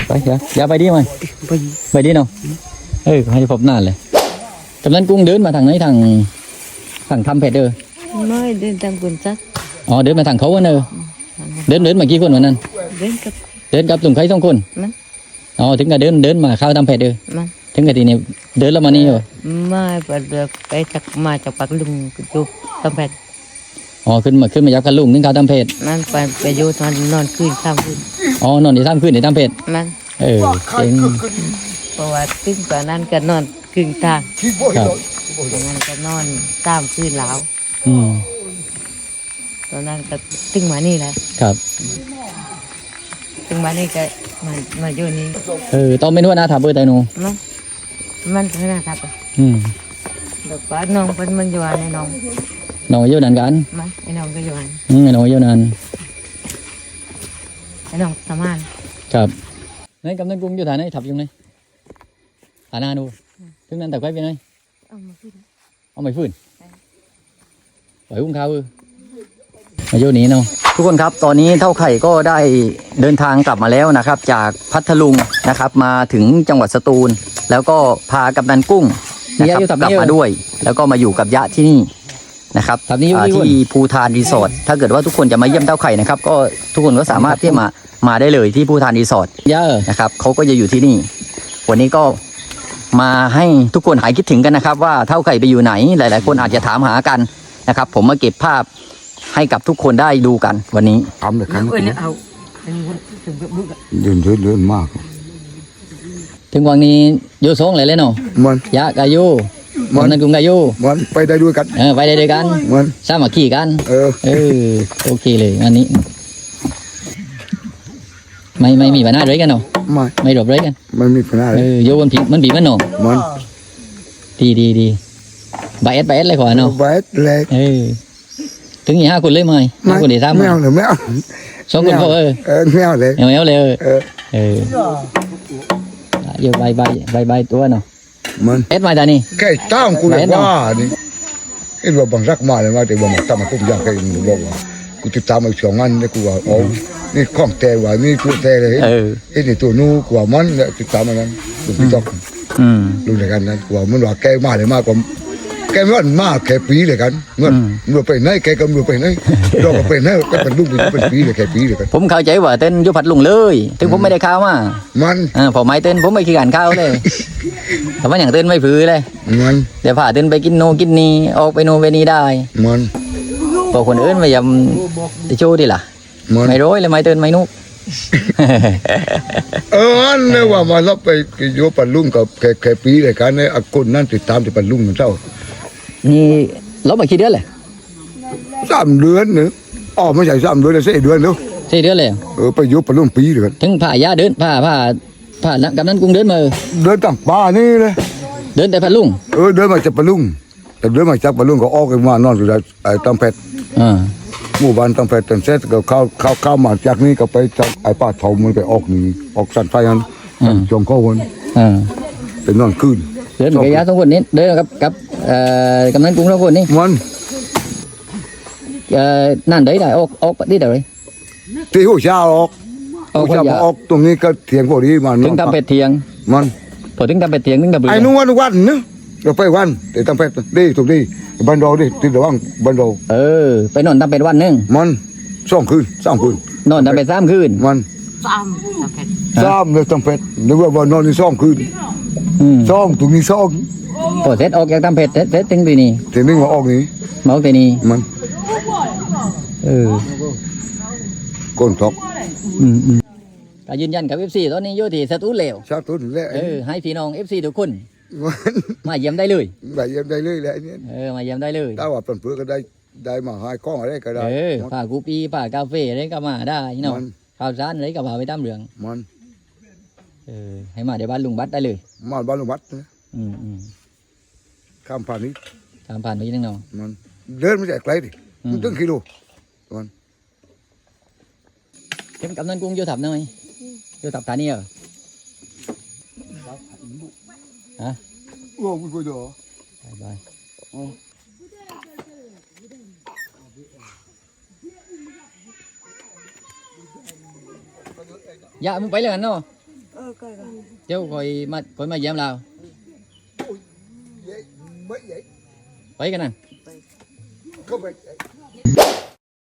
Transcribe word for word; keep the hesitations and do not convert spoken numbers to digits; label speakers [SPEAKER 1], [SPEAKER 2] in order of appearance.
[SPEAKER 1] ไปเดี๋ยวอย่าไปดิมั้ยไปไปดิเนาะเออให้พบนานเลยกำนันกุ้งเดินมาทางไหนทางทางทำเพชรเด้อ
[SPEAKER 2] ไม่เดินทางกุนจัก
[SPEAKER 1] อ๋อเดินมาทางเขาเนอะเดินเดินมากี่คนวันนั้น
[SPEAKER 2] เดินกับ
[SPEAKER 1] เดินกับลุงใครสองคนอ๋อถึงกับเดินเดินมาเข้าทำเพชรเด้อถึงกับทีนี้เดินแล้วมานี่เหรอ
[SPEAKER 2] ไม่ไปไปจากมาจากปากลุงจุบทำเพชร
[SPEAKER 1] อ๋อขึ้นมาขึ้นมายับกันลุงถึงเข้าทำเพชร
[SPEAKER 2] นั่นไปไปอยู่นอนนอนคืนข้ามคืน
[SPEAKER 1] อ๋อนอนในถ้ำคืนในถ้ำเพชร
[SPEAKER 2] นั่น
[SPEAKER 1] เออเจ๋ง
[SPEAKER 2] เพราะว่าตึ้งกว่านั้นก็นอนครึ่งทาง
[SPEAKER 1] ครับ
[SPEAKER 2] ตอนนั้นก็นอนตามคืนแล้ว
[SPEAKER 1] อืม
[SPEAKER 2] ตอนนั้นก็ตึ้งมานี่แหละ
[SPEAKER 1] ครับ
[SPEAKER 2] ตึ้งมานี่ก็มามาอยู่นี่
[SPEAKER 1] เออต้องไม่นวดนะถามเบอร์ไตนู
[SPEAKER 2] มันมันขนาดครับ
[SPEAKER 1] อืม
[SPEAKER 2] เด็กว่าน้องเป็นมันอยู่อันไอ้น้อง
[SPEAKER 1] น้องอายุนานกัน
[SPEAKER 2] มันไอ้น้องก็อยู่อัน
[SPEAKER 1] อืมไอ้น้องอายุนาน
[SPEAKER 2] ไอ้น้องทำงาน
[SPEAKER 1] ครับในกำนันกุ้งอยู่ฐานไหนทับอยู่ไหนฐานนาดูถึงนั้นแต่ไว้เป็นไง
[SPEAKER 2] เอามาฟื้น
[SPEAKER 1] เอาไม่ฟื้นปล่อยกุ้งข้าวเออมาโยนี้เนาะทุกคนครับตอนนี้เท่าไข่ก็ได้เดินทางกลับมาแล้วนะครับจากพัทลุงนะครับมาถึงจังหวัดสตูลแล้วก็พากำนันกุ้งนะครับกลับมาด้วยแล้วก็มาอยู่กับยะที่นี่นะครับที่ภูทานรีสอร์ทถ้าเกิดว่าทุกคนจะมาเยี่ยมเท่าไข่นะครับก็ทุกคนก็สามารถที่มามาได้เลยที่ภูทานรีสอร์ทนะครับเขาก็จะอยู่ที่นี่วันนี้ก็มาให้ทุกคนหายคิดถึงกันนะครับว่าเท่าไข่ไปอยู่ไหนหลายๆคนอาจจะถามหากันนะครับผมมาเก็บภาพให้กับทุกคนได้ดูกันวันนี้
[SPEAKER 3] ทำเลยครับ
[SPEAKER 2] เอา
[SPEAKER 3] เดินเดินเดินมาก
[SPEAKER 1] ถึงวันนี้โยสองเลยเลยเนาะ
[SPEAKER 3] มัน
[SPEAKER 1] ยะกายูมันนั่นกุ้งกายู
[SPEAKER 3] มันไปได้ด้วยกัน
[SPEAKER 1] เออไปได้ด้วยกัน
[SPEAKER 3] มัน
[SPEAKER 1] สามัคคีกัน
[SPEAKER 3] เออ
[SPEAKER 1] เออโอเคเลยอันนี้ไม่ไม่มีปัญหาอะไรกันเนาะ
[SPEAKER 3] ไม่
[SPEAKER 1] ไม่รบอะไรกัน
[SPEAKER 3] ไม่มีปัญหา
[SPEAKER 1] เออโยมันผีมันผีมันเนาะ
[SPEAKER 3] มัน
[SPEAKER 1] ดีดีดีใบเอสใบเอสเลยขวาเนาะ
[SPEAKER 3] ใบเอสเลย
[SPEAKER 1] เออถึงยี่ห้าคนเลยไหมห้าคนเดียวสาม
[SPEAKER 3] ไม่เอาเลยไม่เอา
[SPEAKER 1] สองคนพอเออ
[SPEAKER 3] เออไม่เอาเลย
[SPEAKER 1] ไม่เอาเลยเออ
[SPEAKER 3] เออ
[SPEAKER 1] เออเยอะใบใบใบใบตัวเนาะ
[SPEAKER 3] มัน
[SPEAKER 1] เอสมาตานี่
[SPEAKER 3] แค่ตั้งกูเลยว่านี่ไอ้เราบังรักมาเลยว่าแต่ว่ามันตั้งมาตุ้มยางแค่มึงบอกว่ากูติดตามมาสองงานนี่กูว่าอ๋อนี่ข้องแต่ว่านี่ตัวแต่เลยไอ้นี่ตัวนู้กูว่ามันเนี่ยติดตามมานั้นตัวพี่ต้องรู้เลยกันนั้นกูว่ามันว่าแกมาเลยมากกว่าแกไม่ว่ามาแค่ปีเลยกันเมื่อเมื่อไปไหนแกก็เมื่อไปไหนเราก็ไปไหนก็เป็นลูกเป็นปีเลยแค่ปีเลยกัน
[SPEAKER 1] ผมเข้าใจว่าเต้นยุพัดลุงเลยถึงผมไม่ได้ข้าวมา
[SPEAKER 3] มัน
[SPEAKER 1] อ่าพอไม้เต้นผมไม่ขี้การข้าวเลยแต่ว่าอย่างเต้นไม่ฝืนเลย
[SPEAKER 3] มัน
[SPEAKER 1] เดี๋ยวพาเต้นไปกินโนกินนี่ออกไปโนไปนี่ได้
[SPEAKER 3] มัน
[SPEAKER 1] พอคนอื่นไม่ยำจะโชว์ดิล่ะไม่ร้อยเลยไม้เต้นไม่นุก
[SPEAKER 3] เออเนี่ยว่ามารับไปโยปัดลุงกับแค่แค่ปีเลยกันเนี่ยคนนั้นติดตามที่ปัดลุงมันเท่า
[SPEAKER 1] นี่ลบมากี่เดือนเลย
[SPEAKER 3] สามเดือนเนอะอ๋อไม่ใช่สามเดือนเลยสี่เดือนเนาะ
[SPEAKER 1] สี่เดือนเลย
[SPEAKER 3] เออไปยุบไปร่วมปีเลยกัน
[SPEAKER 1] ถึงผ่ายาเดินผ่าผ่าผ่ากำนันกุ้งเดินมา
[SPEAKER 3] เดินต่างป่านี่เลย
[SPEAKER 1] เดินแต่พัดลุง
[SPEAKER 3] เออเดินมาจากพัดลุงแต่เดินมาจากพัดลุงก็ออกกันมานอนอยู่ไอ้ตั้งเพชร
[SPEAKER 1] อ่า
[SPEAKER 3] หมู่บ้านตั้งเพชรตั้งเสร็จก็เข้าเข้าเข้ามาจากนี้ก็ไปจากไอ้ป้าทองมันไปออกนี่ออกสันไฟนั้นจงเข้าวน
[SPEAKER 1] อ่า
[SPEAKER 3] เป็นนอนคืน
[SPEAKER 1] เดินกับยาสองคนนี้เดินกับกับเอ่อกำนันกุ้งสองคนนี้
[SPEAKER 3] มัน
[SPEAKER 1] เอ่อนั่นได้ได้ออกออกที่ไหน
[SPEAKER 3] ที่หัวเช้าออกหัวเช้าออกตรงนี้ก็เถียงพอดีมัน
[SPEAKER 1] ถึงทำเป็ดเถียง
[SPEAKER 3] มัน
[SPEAKER 1] พอถึงทำเป็ดเถียงถึงทำเบื่อ
[SPEAKER 3] ไอ้นู่นวันวันเนอะเราไปวันแต่ทำเป็ดดีถูกดีบันโดดิติดระวังบันโด
[SPEAKER 1] เออไปนอนทำเป็ดวันนึง
[SPEAKER 3] มันสองคืนสองคืน
[SPEAKER 1] นอนทำเป็ดสามคืน
[SPEAKER 3] มัน
[SPEAKER 2] สามทำเป็ด
[SPEAKER 3] สามเลยทำเป็ดนึกว่าวันนอนในสองคืนสองตรงนี้สอง
[SPEAKER 1] พอเสร็จออกจากทำเป็ดเสร็จถึงปีนี้
[SPEAKER 3] ถึงนี่มาออกนี้
[SPEAKER 1] มาออกปีนี้
[SPEAKER 3] มัน
[SPEAKER 1] เออ
[SPEAKER 3] ก้นทอก
[SPEAKER 1] อืมอืมก็ยืนยันกับเอฟซีตอนนี้อยู่ที่สตูลเหลว
[SPEAKER 3] สตูลแล้ว
[SPEAKER 1] เออให้พี่น้องเอฟซีทุกคนมาเยี่ยมได้เลย
[SPEAKER 3] มาเยี่ยมได้เลยแหละเนี่ย
[SPEAKER 1] เออมาเยี่ยมได้เลย
[SPEAKER 3] ถ้าว่าเป็นเพื่อก็ได้ได้มาหายกล้องอะไรก็ได้
[SPEAKER 1] เออผ่ากูปีผ่ากาแฟอะไรก็มาได้เนาะข้าวสารอะไรก็พาไปตามเรื่อง
[SPEAKER 3] มัน
[SPEAKER 1] เออให้มาเดี๋ยวบ้านลุงบัตได้เลย
[SPEAKER 3] มาบ้านลุงบัตนะ
[SPEAKER 1] อืมอืม
[SPEAKER 3] ข้ามผ่านนี้
[SPEAKER 1] ข้ามผ่านไปยังเนาะ
[SPEAKER 3] มันเดินไม่ใช่ไกลดิมันตั้งกิโลมัน
[SPEAKER 1] เข้มกำนันกุ้งโยถับหน่อยโยถับฐานนี่เหรอฮะ
[SPEAKER 3] โอ้ยกูดู
[SPEAKER 1] บายบายอย่ามึงไปเลยกันเนาะ
[SPEAKER 2] เออ coi coi.
[SPEAKER 1] cháu coi mà coi mà dám lao
[SPEAKER 3] vậy mấy vậy
[SPEAKER 1] vậy cái này
[SPEAKER 3] không phải